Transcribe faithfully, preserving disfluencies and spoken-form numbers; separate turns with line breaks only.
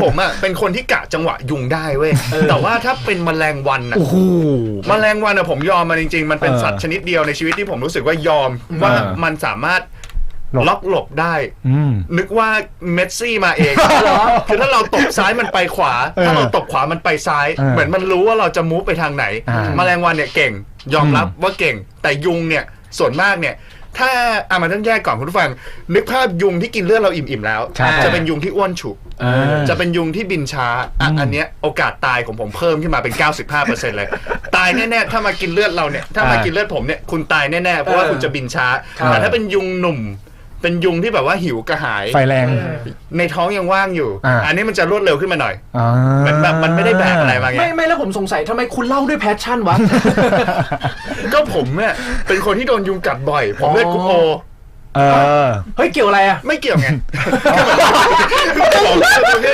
ผมอ่ะเป็นคนที่กะจังหวะยุงได้เว้ยแต่ว่าถ้าเป็นแมลงวันอ่ะแมลงวันอ่ะผมยอมมันจริงๆมันเป็นสัตว์ชนิดเดียวในชีวิตที่ผมรู้สึกว่ายอมว่ามันสามารถล็อกหลบได้นึกว่าเมสซี่มาเองคือถ้าเราตบซ้ายมันไปขวาถ้าเราตบขวามันไปซ้ายเหมือนมันรู้ว่าเราจะมูฟไปทางไหนแมลงวันเนี่ยเก่งยอมรับว่าเก่งแต่ยุงเนี่ยส่วนมากเนี่ยถ้าอ่ะมันต้องแยกก่อนคุณผู้ฟังนึกภาพยุงที่กินเลือดเราอิ่มๆแล้วจะเป็นยุงที่อ้วนฉุกจะเป็นยุงที่บินช้าอ่ะอันเนี้ยโอกาสตายของผมเพิ่มขึ้นมาเป็น เก้าสิบห้าเปอร์เซ็นต์ เลยตายแน่ๆถ้ามากินเลือดเราเนี่ยถ้ามากินเลือดผมเนี่ยคุณตายแน่ๆเพราะว่าคุณจะบินช้าแต่ถ้าเป็นยุงหนุ่มเป็นยุงที่แบบว่าหิวกระหาย
ไฟแรง
ในท้องยังว่างอยู่อันนี้มันจะรวดเร็วขึ้นมาหน่อยเหมือนแบบมันไม่ได้แบกอะไรมาไง
ไม่ไม่แล้วผมสงสัยทำไมคุณเล่าด้วยแพชชั่นวะ
ก็ผมเนี่ยเป็นคนที่โดนยุงกัดบ่อยผมเลือดกรุ๊ปโอ
เฮ้ยเกี่ยวอะไรอ่ะ
ไม่เกี่ยวไง